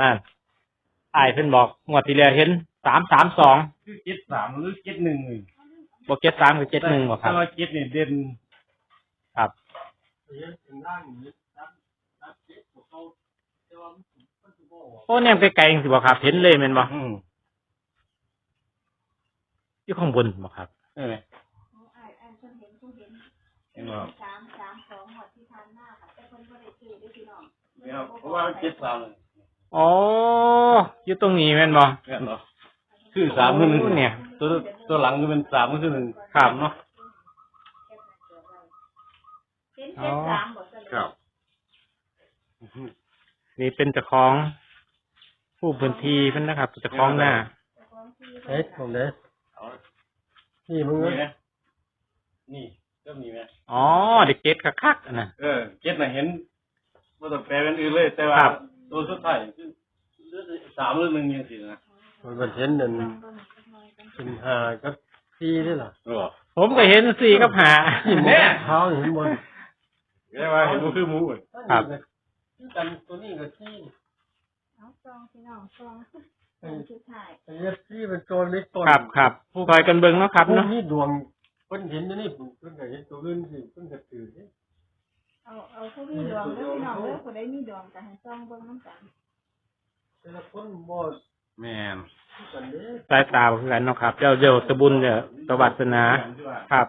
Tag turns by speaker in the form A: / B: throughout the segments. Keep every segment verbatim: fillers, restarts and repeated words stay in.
A: นั่นไอ้เพิ่นบอกงวดที่แล้วเห็นสามสามสอง
B: คือเจ็ดสามหรือเจ็ดหนึ่งเลย
A: บอกเจ็ดสามคือเจ็ดหนึ่งบอกครับ
B: แต่ว่าเจ็ดเนี่ยเด่น
A: ครับโอ้เนี่ยไปไกลสิบอกครับเห็นเลยแมันบอกอยู่ข้างบนบอกครับ
B: เออเห็นบอก
C: สามสามสองหมดที่ทานหน้าค่ะแต่คนก็ได้ซื้อได้พี่น้อง
B: เพราะว่าเจ็ดสามเลย
A: อ๋ออยู่ตรงนี้แม่นบ่
B: แม่นบ่คือสามคือหนึ่งเนี่ยตัวตัวหลังก็เป็นสามก็คือหนึ่ง
A: ครับ
B: เนาะ
C: เป็นเจ็ดสามหมดเลย
B: ครับ
A: นี่เป็นเจ้าของผู้พื้นที่เพิ่นนะครับเจ้าของหน้า
B: เฮ้ยผมเด้นี่มึงนะนี่ก็มีไหม
A: อ๋อเด็กเก็ตคักๆนะ
B: เออเก็ตน่ะเห็นบ่ต้องแปลเป็นอื่นเลยแต่ว่าตัวสุดท้ายคือสามหรือหนึ่งจังซี่นะมันเห็นนั่นเป็นห้ากับสี่นี่ล่ะ
A: ผมก็เห็นสี่กับห้า
B: แม่เท้าเห็นบนเรียกว่าเห็นบ่คือหมู
A: ครับ
B: คือกันตัวนี้ก็สี่
C: เอาซองพี่น้องซองสุดท้าย
B: ไอ้สี่เป็นตัวเล็กตัว
A: ครับครับคอยกันเบิ่งเนาะครับเนาะ
B: นี่ดวงเพิ่นเห็นนี่เพิ่นก็เห็นตัวอื่นสิเพิ่นก็ตื่น
C: เอาเอาผู้มีดวงเด้อพี่น้องเด้อผู้ใดมีดวงก็ให้ซองเบิ่งนำกัน
B: แต่ละคนบ่แม่น
A: สายตาคือกันเนาะครับเจ้าเจ้าตะบุญเนี่ยตวัสนาครับ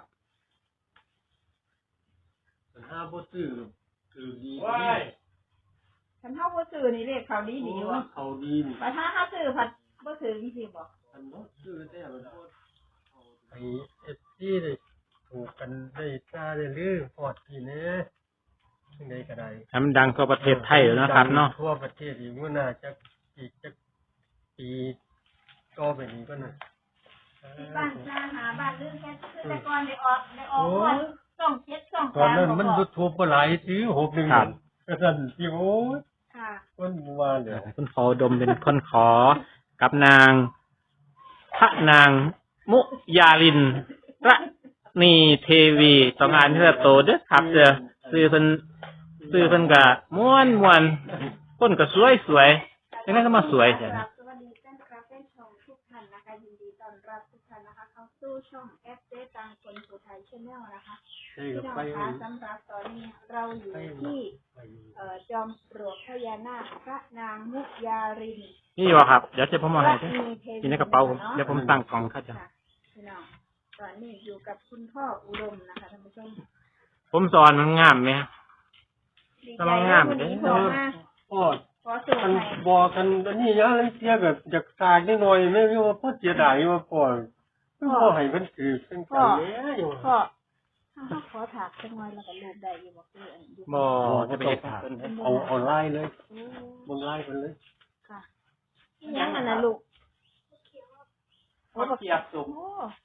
B: ห้าบ่ซื้อคือดี
C: คันเฮาบ่ซื้อนี่เลขเขาดีดีว่า
B: เขาดี
C: แต่ถ้าเฮาซื้อผัดบ่ซื้อจริงๆบ่
B: คันบ่ซื้อแต่มันไอ้ เอส ซี ได้ถูกกันได้ตาได้ลือพอดพี่แน่จังได๋ก็ได้
A: ให้มันดังทั่วประเทศไทยแล้วนะครับเนาะ
B: ทั่วประเทศอีกมื้อหน้าจะอีกจะปีก็ไปนี้ก็น่ะ
C: บ้านนาหาบ้านลือแค่คือแต่ก่อนได้ออกได้ออกก่อนช่องเจ็ดช่อง
B: ตอนนั้นมัน YouTube บ่หลายซื้อหกหนึ่ง
A: ครับ
B: ก็ซั่นสิโอ้ย
C: ค่ะ
B: คนว่าเด้อ
A: คุณขอดมเป็นคนขอกับนางพระนางมุยาลินระนีเทวีต้องอ่านเพื่อโตเด้อครับเด้อซื้อเพิ่นซื้อเพิ่นก็ม่วนๆคนก็สวยๆจังได๋ก็มาสวยแท้
C: สวัสดีแฟนคลับแฟนช่องทุกท่านนะคะยินดีต้อนรับทุกท่านนะคะเข้าสู่ช่องแอปเดตต่างคนผู้ไทย Channel นะคะพี่น้องคะสำหรับตอนนี้เราอยู่ที่เอ่อจอมปลวกพญานาคพระนางมุยาริน
A: นี่บ่ครับเดี๋ยวจะผมมาให้กินในกระเป๋าผมเดี๋ยวผมตั้งกล่องค่ะจ้ะ
C: พี่น้องตอนนี้อยู่กับคุณพ่ออุดมนะคะท่านผู้ชม
A: ผมสอนมันงามมั้ยกำลังงามเด้อ
B: โอ้มันบอกกันอันนี้ยังเสียแบบอยากตายนิดหน่อยแม่ว่าพ่อเสียดายว่าพ่อพ่อให้มันถือเป็นกันแล้วอยู่
C: พ่อถ้าขอถากจังหน่อยแล้วก็รูปได้อยู่บ่คืออันอยู่
A: บ่จะไปถาก
B: เอาเอาไล่เลยบ่ไล่เพิ่นเลย
C: ค่ะยังอันน่ะลูก
A: โอ้บ่เกียบสุก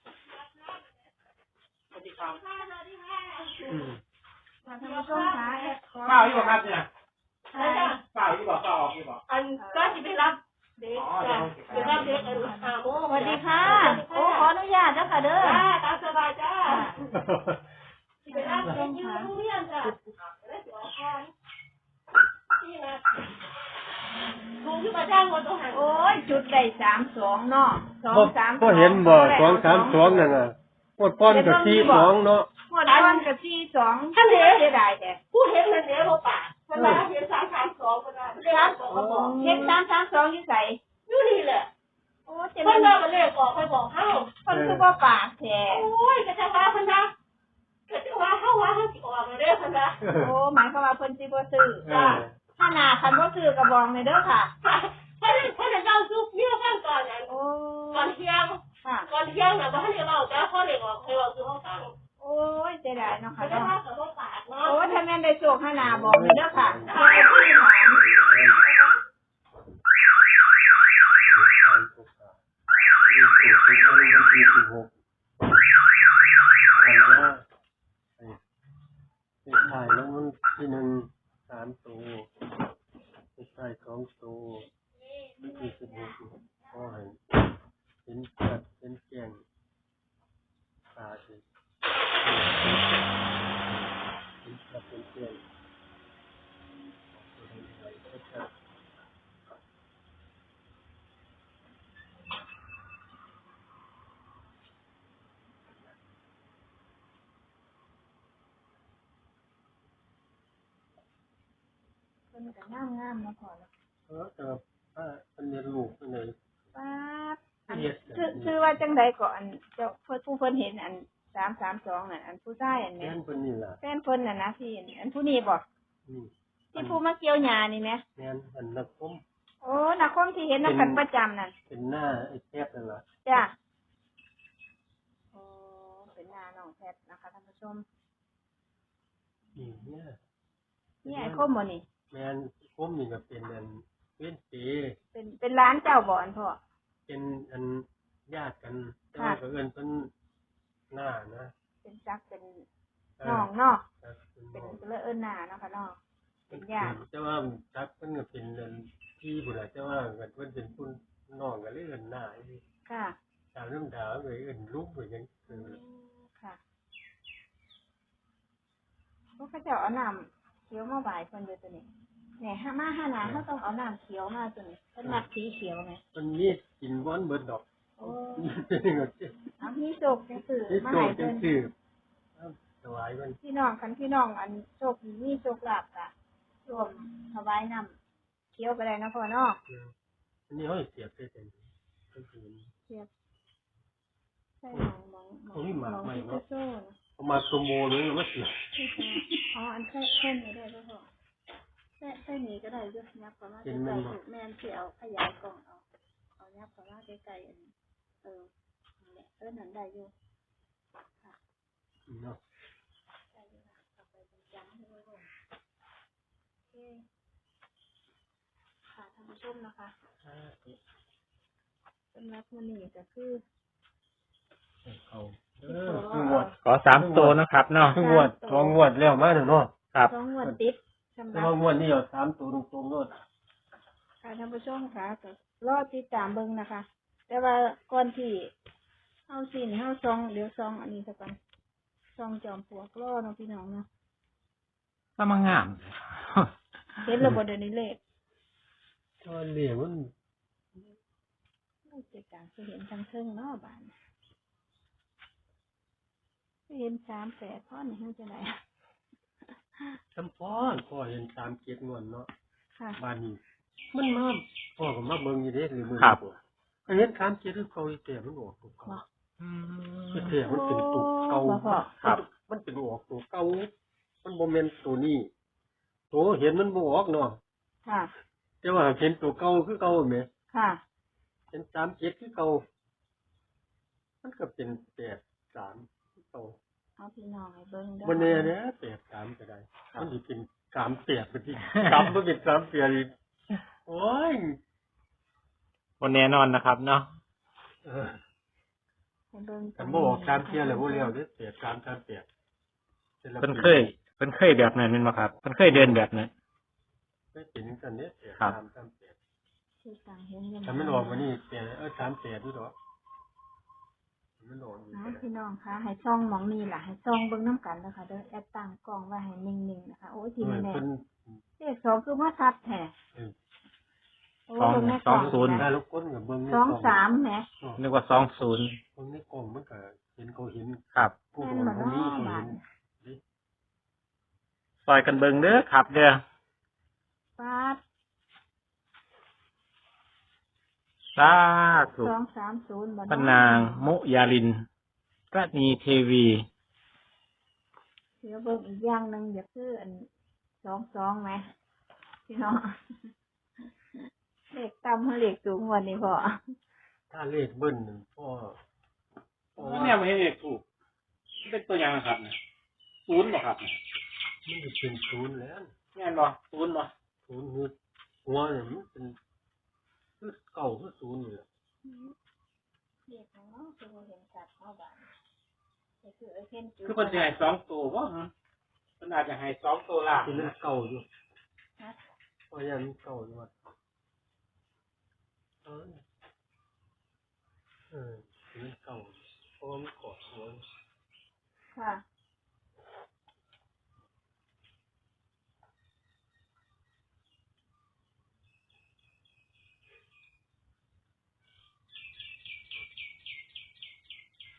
A: สวัสดีครับอืม
C: ท่านผู้ชมคะ
A: เปล่าอยู่บ่ครับเนี่ยเปล่าอยู่บ่เปล่าออกอยู่บ่
D: อันก็สิไปรับเด็กจ้ะเดี๋ยวรับเด็กอันอ่าโอ้
C: สวัสดีค่ะโอ้ขออนุญาตเด้อค่ะเด้อ
D: จ้าตามสบายจ้าสิไปรับเด็กอยู่โรงเรียนจ้ะแล้วสิออกก่อนนี่นะลุงที่มาจ้างคนตัวหัน
C: โอ้ยจุดได้สามสองเนาะสองสาม
B: ก็เห็นบ่สองสามสองนั่นน่ะพวกป้อนก็สี่สองเนาะ
C: พวกป้อนก็สี่สอง
D: ท่านเด้
C: เสียดายแต่
D: ผู้เห็นนั่นเด้บ่ปากเวลาเห็นสามสามสองเวลาเรียนบอกก็บอก
C: เห็นสามสามสองอยู่ไส
D: อยู่นี่แหละ
C: โอ้
D: เพิ่นเอาเลขออกไปบอกเฮา
C: เพิ่นคือบ่ปากแท้
D: โอ้ยก็จะว่าเพิ่นนะก็จะว่าเฮาว่าเฮาสิออกเด้อเพิ่นนะ
C: โอ้หมายความว่าเพิ่นสิบ่ซื้อจ้าถ้าหน้าคันบ่ซื้อก็บอกเลยเด้อค่ะ
D: เพิ่นเพิ่นจะเอาซุกเนี่ยฟังก่อนนั่น
C: โอ้
D: ก่อนเที่ยง
C: ค่ะ
D: ก่อนเที่ยงน่ะบ่ทันได้เว้าแต่พอเลขออกให้เว้าคือเฮาฟัง
C: โอ้ยเสียดายเนาะค่ะ
D: เนาะก็บ่ปากเนาะ
C: โอ้ถ้าแม่นได้โชคให้หน้าบอกเลยเด้อค่ะ
B: ถ่ายแล้วมันที่หนึ่งสามตัวถ่ายสองตัวมันคือสิบหกก็ให้เห็นชัดเห็นแจ้งตาสิเห็นชัดเห็นแจ้ง
C: พิ่นก็งามงามมาพอแล้ว
B: เออแต่ว่าเป็นเรียนลูกเป็นเลย
C: ป้าบอันคือคือว่าจังใดก่อนเจ้าเพิ่นผู้เพิ่นเห็นอันสามสามสองน่ะอันผู้ชายอัน
B: แม่
C: เนี้ย
B: นเป็นนี่ล่ะ
C: แฟนเพิ่นน่ะนะพี่อันผู้นี้บ่
B: นี่
C: ที่ผู้มาเกี่ยวหญ้านี่แหม
B: แม่นอันนักคม
C: โอ้นักคมที่เห็นนำกันประจำนั่น
B: เป็นหน้าไอ้แคบนั่นล่ะ
C: จ้ะโอ้เป็นหน้าน้องแพทนะคะท่านผู้ชม
B: นี่เนี่ย
C: นี่ไอ้คมบ่นี่
B: แม่นคมนี่ก็เป็นอันเว้นเป
C: เป็นเป็นร้านเจ้าบ่อันพ่อ
B: เป็นอันญาติกันแต่ว่าก็เอิ้นเพิ่นหน้านะ
C: เป็นจักเป็นน้องเนาะ
B: ครับเป็น
C: เป็น
B: น้อง
C: เลอะเอิ้นหน้าเนาะค่ะเนาะเป็นญาติ
B: แต่ว่าทักเพิ่นก็เป็นอันพี่พุ่นล่ะแต่ว่าเพิ่นเป็นผู้น้องก็เลยเอิ้นหน้าอี
C: ค่ะ
B: ตามเรื่องดาวเลยเอิ้นลูกเหมือนกันเออ
C: ค่ะพวกเขาเจ้าเอาน้ำเขียวมาบ่ายเพิ่นอยู่ตัวนี้เนี่ยห้ามาห้านาเขาต้องเอาน้ำเขียวมาตัวนี้เพิ่นมักสีเขียวไง
B: มันมีกินบ่อนเบิดดอก
C: โอ้
B: เป็นก็สิ
C: เอามีโชคจังสื่อ
B: ที่
C: มา
B: โต
C: ให้
B: จั
C: เพิ่
B: ง
C: น
B: ซี่ถวายมัน
C: พี่น้องคันพี่น้องอันโชคดีมีโชคลาภกะรวมถวายน้ำเขียวก็ได้นะพ่อเนาะ
B: อันนี้เฮาเสียบได้จังก็คือ
C: เสียบใช่หมองหมองหมองหมองที่จะโซ่นะ
B: เอามาสมโมเลยมาเสียบ
C: ที่จะอ๋ออันแค่แค่นี้ได้ก็พอแค่แค่นี้ก็ได้อยุ่ยับประมาณใกล้ๆถูกแม่นที่เอาขยายกล่องเอาเอายับประมาณใกล้ๆอันนี้เออนั่นแหละเออนั่นได้อยู่ค่ะ
B: เนาะ
C: ได้อยู่ค่ะต่อไปเป็นจังให้ไว้ก่อนโอเคค่ะท่านผู้ชมนะคะสำหรับมื้อนี้ก็คือ
B: เอาเออคืองวด
A: ขอสามตัวนะครับเนาะ
B: คืองวดสองงวดแล้วมาเนาะ
A: ครับ
C: สองงวดติดสำห
B: แต่
C: รับ
B: ว่างวดนี้เอาสามตัวตรงๆโลด
C: ค่ะท่านผู้ชมค่ะก็รอติดตามเบิ่งนะคะ แต่ว่าก่อนที่เฮาสินเฮาซองเดี๋ยวซองอันนี้ซะก่อนซองจอมปลวกรอเนาะพี่น้องเนาะ
A: ก็มางาม
C: เห็นแล้วบ่เดี๋ยวนี้เลข
B: ก็เหลี่ยมมัน
C: โอ้ยเจ็ดต่างสิเห็นทั้งเทิงเนาะบาดนี้สิเห็นสามแปดพอนี่เฮาจะได้
B: จำพ่อพ่อเห็นตามเกียรติงวดเนาะ
C: ค่ะ
B: บ้านนี้มันมาพ่อก็มาเบิ่งอยู่เด้หรือมือ
A: ครับ
B: อันนี้ตามเกียรติคือเก่าอีแต่มันออกตัวเก่า
A: อืม
B: คือแต่มันเป็นตัวเก่า
C: บ่พอ
A: ครับ
B: มันเป็นออกตัวเก่ามันบ่แม่นตัวนี้ตัวเห็นมันบ่ออกเนาะ
C: ค่ะ
B: แต่ว่าเห็นตัวเก่าคือเก่าแหม
C: ค่ะ
B: เห็นสามเจ็ดคือเก่ามันก็เป็นแปดสามคือเก่า
C: เอาพี่น้องให้เบิ่งเด้อ
B: บ่แน่เด้อแปดสามก็ได้มันสิเป็นสามแปดไปที่กลับมาเป็นสามแปดอีกโอ้ย
A: วันแน่นอนนะครับเนาะ
B: เออ
C: ให้เบิ่ง
B: คันบ่ออกตามเที่ยแล้วบ่แล้วเด้อแปดสามสามแปด
A: เพิ่นเคยเพิ่นเคยแบบนั้นแม่นบ่ครับเพิ่นเคยเดินแบบนั้น
B: เคยเป็นจังซั่นเด้อแปด
A: ครับ
B: สามสามแปด
C: ที่ต่างเห็นกัน
B: ถ้ามันออกมานี่แปดเออสามแปดนี่ดอกมันออกอยู่
C: อ๋อ
B: ก็ได้
C: พี่น้องคะให้ช่องหมองนี่ล่ะให้ช่องเบิ่งน้ำกันนะคะเด้อแอดตั้งกล้องไว้ให้นิ่งๆนะคะ โอ้ยที
B: เออ
C: นี้แน่
B: เพิ่น
C: เลขสองคือว่าชัดแท้
B: เออ
C: โอ้
A: สอง
C: เบิ่งในก
A: ส
C: ล่
A: อ
C: อง ง
A: ศูนย์
B: ถ้าลูกคนก็เบิ่งใน
C: สอง
B: กล้
C: สามแหม
B: อ๋อ
A: นึกว่าสองศูนย์
B: เบิ่งในกล้องมันก็เห็นเขาเห็น
A: ครับ
B: ผู้
C: แม่น
B: คน
C: บ่
B: คนนี้
C: เนาะ
B: เขา
C: บา
B: เห็
C: ด
B: น
A: ซอยกันเบิ่งเด้อครับเด้อ
C: ปาด
A: สาธุ
C: สองสามศูนย์บ่
A: พระ
C: เนาะ
A: นางมุยาลินระนีเทวี
C: เดี๋ยวเบิ่งอีกอย่างหนึงอย่าคืออันสองสองไหมพี่น้องเลขต่ำเท่าเลขสูงกว่านี้พอ
B: ถ้าเลขเบิ้ลนั่นพ่อพ่อว่า
A: เนี่ยไม่ให้เลขถูกเป็นตัวอย่างครับศูนย์บ่ครับ
B: มันจะเป็นศูนย์แล้ว
A: แม่นบ่ศูนย์บ่
B: ศูนย์คือหัวเนี่ยมันเป็นคือเก่าคือศูนย์นี่แหละ
C: เลขของน้องคือบ่เห็นชัดเนาะบาดนี่คือไอ้เห็นจุด
A: คือเพิ่นสิให้สองตัวบ่ฮะเพิ่นอาจจะให้สองตัวล่าง
B: เป็นมันเก่าอยู่
C: ฮะ
B: เพราะยังมันเก่าอยู่ว่าเออเออเป็นมันเก่าเพราะว่ามันกอดหัว
C: ค่ะ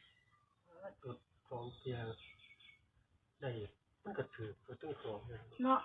B: จุดสองเทียได้มันก็ถือก็ต้องสองเลย
C: เนาะ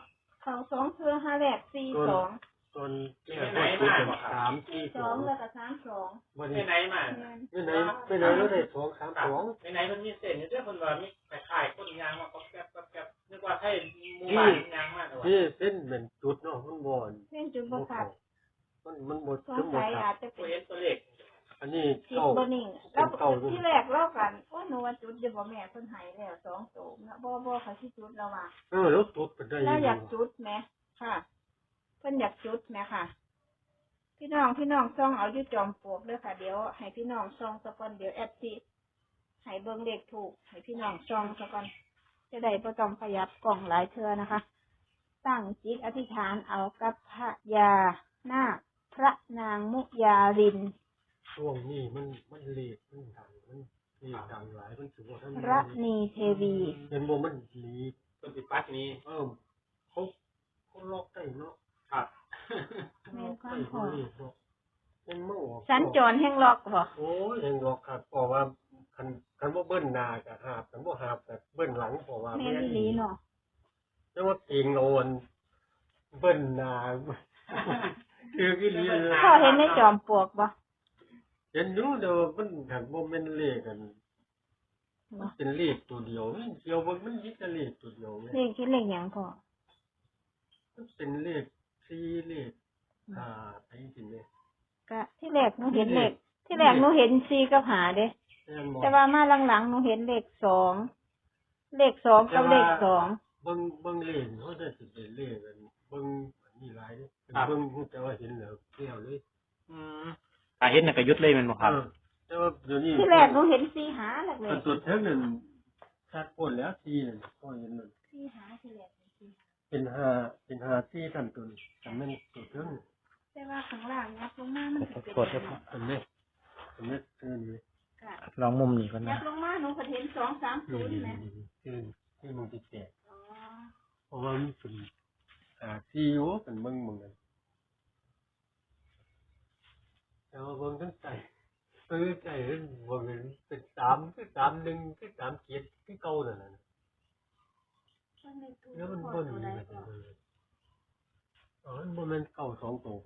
C: เขาสองเทือห้าแรกสี่สอง
B: ตอนแรกก็เป็นสามที่
C: ส
B: ส
C: อ
B: อง ง
C: แล้วก็สามสอง
B: วัน
A: ไป
B: นี้
A: ไหนมา
C: แม่น
B: ไม่ไหนไม่ไหนแล้วได้สองสามสอง
A: ไปไหนมันมีเส้นอยู่เด้อเพิ่นว่ามีคล้ายๆคนยางมาก็แก๊บแก๊บนึกว่าให้หมู่บ้านยางมาแต่ว่า
B: นี่เส้นเป็นจุดเนาะมันบอน
C: เส้นจุดบขาด
B: มันมันบด
C: สง
B: ถึงบ
C: สั
B: ด
C: ย
B: ค
C: อา
B: รับ
C: จจะ
A: บ่
C: เป็น
A: เห็นตัวเลข
B: อันนี้
C: จิต
B: เก้า
C: บนิ่งแล้วที่แรกเล่ากันโอ้หนูว่าจุดจะบอกแม่เพิ่นใหายแล้วสองโตนะบ่บ่เขาที่จุดแล้วว่า
B: เออแล้วจุดเป็นได้
C: แล้วอยาก
B: ง
C: จุดไหมค่ะเพิ่นอยากจุดไหมค่ะ พี่น้องพี่น้องซ่องเอาอยู่จอมปลวกเลยค่ะเดี๋ยวให้พี่น้องซ่องสักก่อนเดี๋ยวแอดสิให้เบิ่งเลขถูกให้พี่น้องซ่องสักก่อนจะได้บ่ต้องขยับกล่องหลายเทื่อนะคะ ตั้งจิตอธิษฐานเอากับพระยานาคพระนางมุยาลิน
B: ช่วงนี้มันมันเลขมันดังมันเลขดังหลายมันถือว่าท่าน
C: ระนีเทวี
B: เป็นบ่มันลี
A: เพิ่นสิปัดนี้
B: เออเขาเขาล็อกได้เนาะ
A: ครับ
C: แม่นความ
B: ได้
C: พอ
B: เลขเนาะยังไม่ออก
C: สัญจรแห่งล็อกบ่
B: โอ้ยยังล็อกครับเพราะว่าคันคันว่าเบิ้ลหน้าก็หาบคันบ่หาบก็เบิ้ลหลังเพราะว่า
C: แม่นอีหลีเนาะ
B: แต่ว่าเก่งโอนเบิ้ลหน้าคืออีหลี
C: พ่อเห็นในจอมปลวกบ่
B: เห็นอยู่เด้อมันหันบ่แม่นเลขกันมันเป็นเลขตัวเดียวมันเดียวมันมันมีแต่เลขตัวเดียวแม่
C: เลขคิดเลขหยังพ่อ
B: มันเป็นเลขสี่เลขห้าไปจริงๆเลย
C: ก็ที่แรกหนูเห็นเลขที่แรกหนูเห็นสี่กับหาเด้
B: แม่นบ่
C: แต่ว่ามาหลังๆหนูเห็นเลขสองเลขสองกับเลขสอง
B: เบิ่งเบิ่งเลขเขาจะสิเป็นเลขกันเบิ่งอันนี้หลายเด้เบิ่งแต่ว่าเห็นแล้วเที่ยวเลย
A: อืมถ้าเห็นน่ะก็หยุดเลยแม่นบ่ครับ
B: เออแต่ว่าเดี๋ยวนี้
C: ที่แรกหนูเห็นสี่หาแหละเล
B: มั
C: ย
B: นสุดเท่านั้นชัดพ้นแล้วทีนั่นก็เห็นมัน
C: สี่หาที่แรกเป็นสี่หา
B: เป็นห้าเป็นห้าที่ทันตัวนี้แต่มันสุดเท่านั้น
C: แต่ว่าข้างล่างยับลงมามันสิเป็น
A: กดครับ
B: อันนี้อันนี้คือนี่
C: ค่ะ
A: ลองมุมนี้ก่อน
C: ยั
A: นะ
C: บลงมาหนูก็เห็นสองสามศู
B: นี่
C: นย์
B: นี่
C: นะ
B: นี่คือที่มันติดแตก
C: อ๋อ
B: เพราะว่ามันเป็นอ่าที่โอ้เป็นเบิ่งเหมือนกันแต่ว่าเบิ่งทั้งใจเออใจเบิ่งเป็นสามคือสามหนึ่งคือสามเจ็ดคือเก่านั่นน่ะ
C: มันเลขถูก
B: แล้วมัน
C: พอ
B: เบิ่น
C: ตัว
B: นี่
C: ใด
B: มัน
C: ก็
B: เบิ่นอ๋อมันบ่แม่นเก่าสองตัวบ่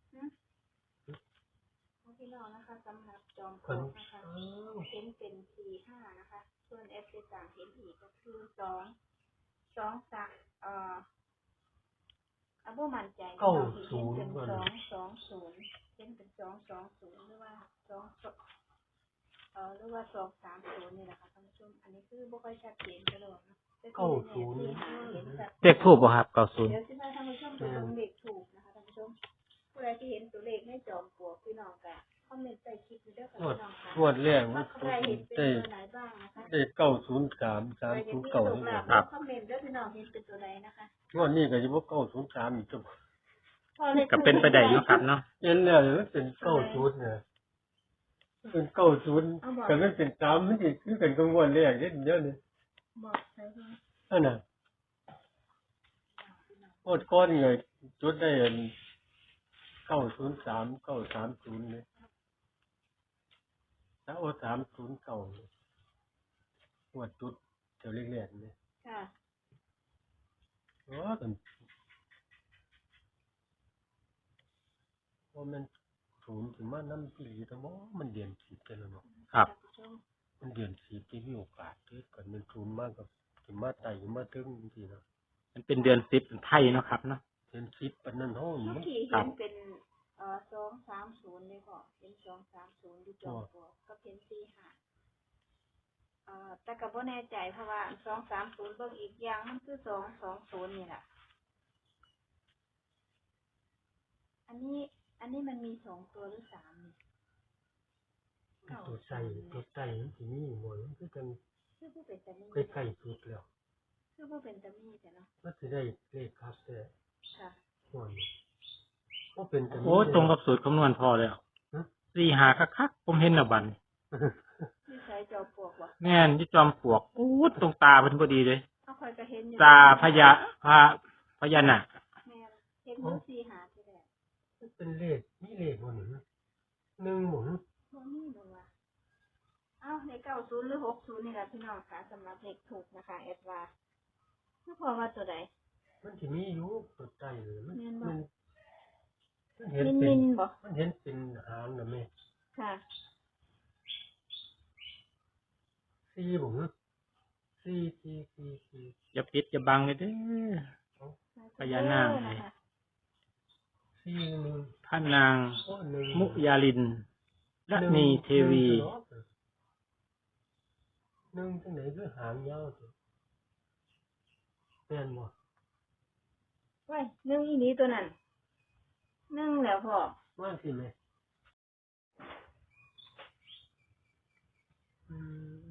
C: พี่น้องนะคะสำหรับจอมปล
B: เพิ่
C: วน กนะคะ
B: อ้าว
C: เห็นเป็นสี่ห้านะคะ ส่วนเอฟซีต่างเห็นอีกก็คือสองสองสามเอ่ออาบุมั่นใจเนาะที่เห็นเป็นสองสองศูนย์เห็นเป็นสองสองศูนย์หรือว่าสองสเอ่อหรือว่าสองสามศูนย์นี่แหละค่ะท่านผู้ชมอันนี้คือบ่ค่อยชัดเจนกระโดดนะแต่ที่
B: เก้าศูนย์
C: เห็นเห็นชัด
A: เลขทูบบ่ครับเก้าศูนย์
C: เดี๋ยวสิพาท่านผู้ชมไปลงเลขถูกนะคะท่านผู้ชมผู้ใดที่เห็นตัวเลขในจอมปลวกพี่น้องกันคอมเมนต์ใต้คลิปนี้ด้วยค่ะ
B: งวด
C: พี่น้องค่ะ
B: งวดแรกมั
C: ว่าน ใครเห็นเป็น
B: ได้
C: ตัวไหนบ้างนะคะ
B: ได้เก้าศูนย์สามสามศูนย์เก้านี่
C: ครับคอมเมนต์ด้วยพี่น้องเห็นเป็นตัวไหนนะคะ
B: งวดนี้ก็สิบ่เก้าศูนย์สามอีกจัง
C: พอลข
A: ก็เป็นไปได้เนาะครับเนาะ
B: เห็นแล้วมันเป็นเก้าศูนย์เนี่ยมันเป็นเก้าศูนย์แต่มันเป็นสามมันสิคือกันกับงวดแรกเด้เดี๋ยวนี้
C: บอกใครบ้าง
B: นั่นน่ะงวดก่อนนี่ก็จุดได้อันเก้าศูนย์สามเก้าสามศูนย์เลยแล้วเอาสามศูนย์เก้าเลยงวดจุดเดี๋ยวแรกๆนี่
C: ค่ะ
B: อ๋อเป็นว่ามันศูนย์ถึงมาน้ำปีแต่ว่ามันเดือนสิบไปแล้วเนาะ
A: ครับ
C: ท่านผู้ชม
B: มันเดือนสิบที่มีโอกาสเกิดก่อนมันศูนย์มากกับถึงมาไต่มาถึงจริงๆเนาะ
A: มันเป็นเดือนสิบเป็นไทยเนาะครับเนาะ
B: เดือนสิบปานนั้นห้อง
C: เมื่อ
B: มัน
C: กี้
A: ครั
C: เห็
A: บ
C: นเป็นเอ่อสองสามศูนย์เลยพ่อเห็นสองสามศูนย์อยู่จอมปลวกก็เห็นสี่ห้าเอ่อแต่ก็บ่แน่ใจเพราะว่าสองสามศูนย์เบิ่งอีกอย่างมันคือสองสองศูนย์นี่แหละอันนี้ อันนี้มันมีสองตัวหรือสามนี่
B: ตัวใส่ตัวใส่มันสิมีหมดมันคือกัน
C: คือผู้เป็นตามี
B: ใกล้ๆสุดแล้ว
C: คือผู้เป็นตามีแต่เนาะ
B: มันสิได้เลขครับแต่
C: ค่ะ
B: หมดก็เป็นกัน
A: โอ้ยตรงกับสูตรคำนวณพอแล้วสี่หาคักๆผมเห็นแล้วบัดนี้
C: ที่ใช้จอมปลวกวะ
A: แม่นที่จอมปลวกอู้ดตรงตาเพิ่นพอดีเลย
C: เอาคอยก็เห็นอยู่
A: ตาพญาพระพญานาค
C: แม่นเห็นอยู่สี่หาที่แรก
B: มันเป็นเลขนี่เลขหมดหนึ่งหนึ่งหมุน
C: บ่มีบ่วะเอ้าในเก้าศูนย์หรือหกศูนย์นี่แหละพี่น้องค่ะสำหรับเลขถูกนะคะเอ็ดว่าคือพอว่าตัวใด
B: มันที่มีอยู่ตัวใจเลยมัน
C: แม่นบ่
B: มันมันเห็น
C: มิน
B: เป็
C: มิ
B: น
C: นบ่
B: มันเห็นเป็นหางนะแม่
C: ค่ะ
B: ซีผมซีซีซีซี
A: อย่าปิดอย่าบังเลยเด้อ พญานาค
C: นะคะ
B: ซีหนึ่ง
A: พระนาง
B: โอ้หนึ่ง
A: มุยาลินรัตนีเทวี
B: หนึ่งจังไหนคือหางยาวสิแม่นบ่
C: ไว้นึ่งอีนี้ตัวนั้นนึ่งแล้วพ่อ
B: ว่าสิแม่อืม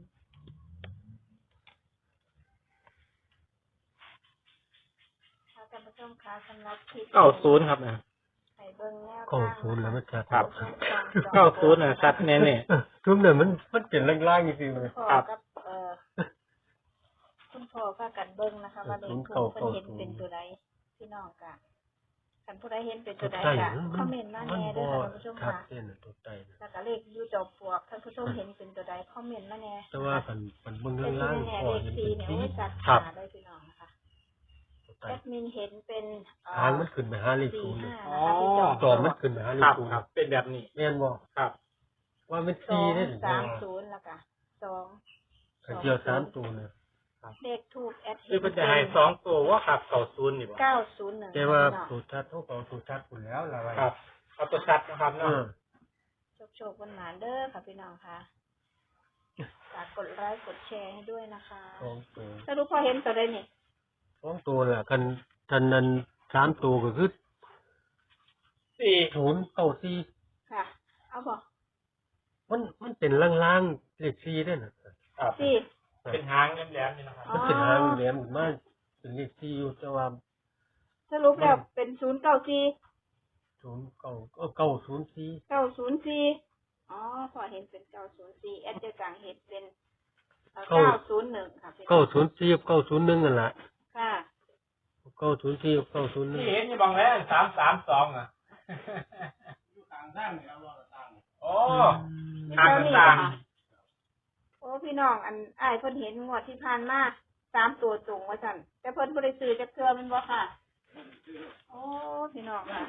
C: ค่ะท่านผู้ชมคะสำหรับคลิป
A: เก้าศูนย์ครับนะ
C: ให้เบิ่งแนว
B: เก้าศูนย์แล้วมันชัด
A: ครับ เก้าศูนย์น่ะชัดแน่แน่
B: เออทุกเนี่ยมันมันเป็นล่างๆจริงๆเลย
C: พ่อ
A: ครับ
C: กับเอ่อคุณพ่อพากันเบิ่งนะคะว่าเลข
B: เก้า
C: ถูกเพิ่น
B: เก้า
C: เห็น
B: ศูนย์
C: เป็นตัวใดพี่น้องกะคันผู้ใดเห็นเป็นตัวใด
B: ใจ
C: กะ
B: มัน
C: คอมเมนต์มา
B: มัน
C: แน่
B: บ่
C: เด้อค่ะท่านผู้ชม
B: ชัด
C: ค่ะ
B: เจนน่ะตัวใจน่ะ
C: แล้วก็เลขอยู่จอมปลวกท่านผู้ชมเห็นเป็นตัวใดคอมเมนต์มาแน่
B: แต่ว่ามันมันเบิ่ง
C: แต่ที่
B: ล่าง
C: แน่
B: ๆ
C: ๆ
B: พอ
C: เลข
B: เห็น
C: สี่
B: เป็น
C: เนี่ย
B: สี
C: โอ้ยจัด
A: ครับ
C: หาได้พี่น้องนะคะ
B: ตัวใจ
C: แอดมินเห็นเป็นเอ่อ
B: หางมันขึ้นไปหาเลข
C: สี่
B: ศูนย์เลย
C: ห้านะคะที่จอม
B: จอมมันขึ้นไปหาเล
A: ค
B: ข
A: รับ
B: ศูนย์
A: ครับ เป็นแบบนี้
B: แม่นบ่
A: ครับ
B: ว่ามัน
C: สอ
B: สี่
C: ง
B: ได้
C: สามศูนย์แล้วก็สอง
B: ก็เกี่ยวสามตัวน่ะ
C: เลขทูปแอด
A: คือเพิ่นจะให้สองตัวว่าครับเก้าศูนย์นี่บ่
C: เก้าศูนย์หนึ่ง
B: แต่ว่าสูตรชัดเท่ากับสูตรชัดพุ่นแล้วล่ะว่า
A: ครับเอาตัวชัดนะครับ
B: เอ
A: เนาะ
B: อ
C: โชคโชควันหมานเด้อค่ะพี่น้องค่ะฝากกดไลค์กดแชร์ให้ด้วยนะคะ
B: สองตัว
C: สรุปพอเห็นตัวใดนี่
B: สองตัวแหละคันคันนั้นสามตัวก็คือ
A: สี่
B: ศูนย์เก้าสี่
C: ค่ะ เอาบอก
B: มันมันเป็นล่างๆเลขสี่ได้น่ะ
A: ครับ
C: สี่
A: เป็นหางแหลมๆนี่นะครับ
C: อ๋อ
B: มันเป็นหางแหลมขึ้นมาเป็นเลขสี่อยู่แต่ว่า
C: สรุปแล้วเป็นศูนย์เก้าสี่
B: ศูนย์เก้าก็เก้าศูนย์สี่
C: เก้าศูนย์สี่อ๋อพอเห็นเป็นเก้าศูนย์สี่แอดเจอกลางเห็นเป็นเก้าศูนย์หนึ่งค่ะพี่น้อง
B: เก้าศูนย์สี่กับเก้าศูนย์หนึ่งนั่นแหละ
C: ค่ะ
B: เก้าศูนย์สี่กับเก้าศูนย์หนึ่ง
A: นี่เห็นอยู่บางแล้วสามสามสองอ่ะโอ้
C: นี่
A: ทาง
C: เท่านี้
A: ต่าง
C: ค่ะโอ้พี่น้องอันอ้ายเพิ่นเห็นงวดที่ผ่านมาสามตัวตรงว่าสั่นแต่เพิ่นบ่ได้ซื้อจักเทื่อแมันบ่ค่ะ โอ้พี่น้องค่ะ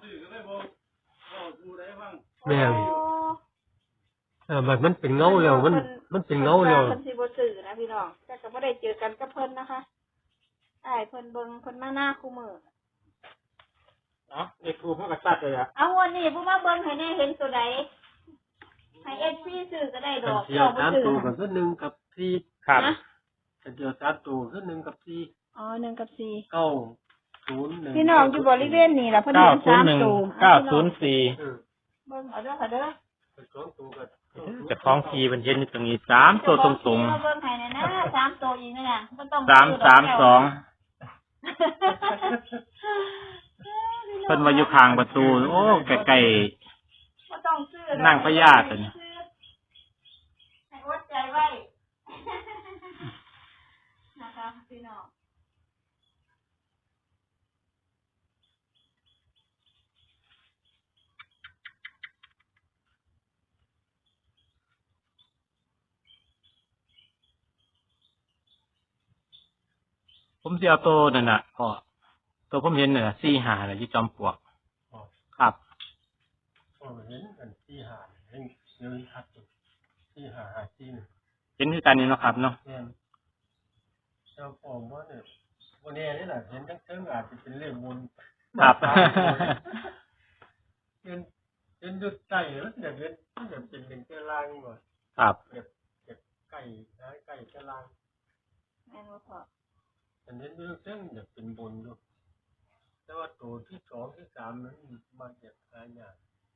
B: แม่น
C: โอ้
B: เออมันมันเป็นเงาแล้วมันมันเป็นเงาแล้ว
C: เพิ่นสิบ่ซื้อนะพี่น้องแต่ก็บ่ได้เจอกันกับเพิ่นนะคะอ้ายเพิ่นเบิ่งเพิ่นมาหน้าคู่มือ
A: เนาะเลขทูปมันก็ชัดเลยอ่ะ
C: เอาวันนี้ผู้มาเบิ่งให้แน่เห็นตัวใดให้ เอฟ ซี ซื้อก็ได้ด
B: คั
C: อน ก
B: เดียว
C: เจ้าบ่
B: สาม
C: ซื้อ
B: ตัวก็คือหนึ่งกับสี่
A: ครับ
C: นะ
B: คันเดียวสามตัวคือหนึ่งกับสี่
C: อ๋อหนึ่งกับสี่
B: เก้าศูนย์หนึ่ง
C: พี่น้องอยู่บริเวณนี้ล่ะเพิ่น
A: เก้า
C: เห็น
A: ศูน
C: สา
A: ย์
C: ม
A: หนึ่ง
C: ตัว
A: เก้าศูนย์สี่
B: เออ
C: เบิ่งเอาเด้อค่ะเด้อ
B: เป็นสองตัวก็
A: จะคล้องทีเป็นเย็นอยู่ตรงนี้สามตัวตรง
C: ๆมาเบิ่งให้แน่นะสามตัวอีกนั่นน่ะบ่ต้อง
A: ๆสามสามสองเพิ่นมาอยู่ข้างประตู โอ้ใกล้
C: บ่ต้องซื้อ
A: นั่งพญาตัวนี้
C: ให้อดใจไว้นะคะพี่น้อง
A: ๆผมสิเอาตัวนั่นน่ะพ่อตัวผมเห็นน่ะสี่หาน่ะอยู่จอมปลวก
B: อ๋อ
A: ครับ
B: อ๋อเห็นกันสี่หาเห็นเยอะชัดอยู่สี่หาหาสี่หนึ่ง
A: เห็นคือกันนี่เนาะครับเนาะ
B: แม่นเจ้าผมว่าเนี่ยวันนี้นี่แหละเห็นทั้งเชิงอาจจะเป็นเรื่องบุญ
A: ครับ
B: เห็นเห็นดุดใจแล้วอยากเห็นอยากเป็นเป็นเจ้าล่างก่อน
A: ครับ
B: แบบแบบไก่นะไก่เจ้าล่าง
C: แม่นบ่พอ
B: อันนี้เรื่องเชิงอยากเป็นบุญอยู่แต่ว่าตัวที่สองที่สามนั้นมันอยากหายาก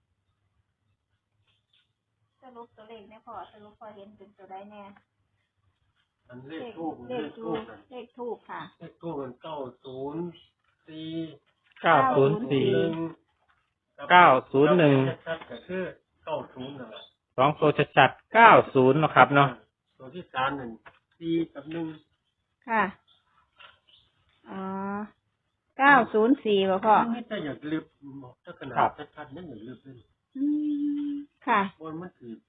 C: สรุปตัวเลขแม่พอสรุปพอเห็นเป็นตัวใดแน่
B: อันเลขทูบ
C: เล
B: เล
C: ข
B: ข
C: ทู
B: ทู
C: บบ เลขทูบค่ะ
B: เลขทูบมันเก้าศูนย์สี่
A: เก้าศูนย์สี่
B: หนึ่ง
A: เก้าศูนย์หนึ่ง
B: ชัดๆก็คือเก้าศูนย์นั่นแหละ
A: สองตัวชัดๆเก้าศูนย์เนาะครับเนาะ
B: ตัวที่สามหนึ่งสี่กับหนึ่ง
C: ค่ะ อ๋อ เก้าศูนย์สี่ป่ะพ่อ
B: ไม่แต่อยากลืบถ้าขนาดชัดๆนั่นอยากลืบเลย
C: อืมค่ะ
B: บนมันถือ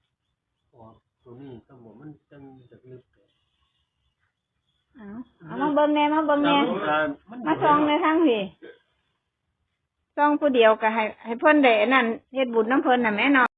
B: อ๋อตัวนี้ต้องบอกมันจังอยากลืบเลย
C: เอาเอามาเบิ่งแน่มาเบิ่งแน่มาซองในทางพี่ซองผู้เดียวก็ให้ให้เพิ่นได้อันนั้นเฮ็ดบุญน้ำเพิ่นน่ะแม่เนาะ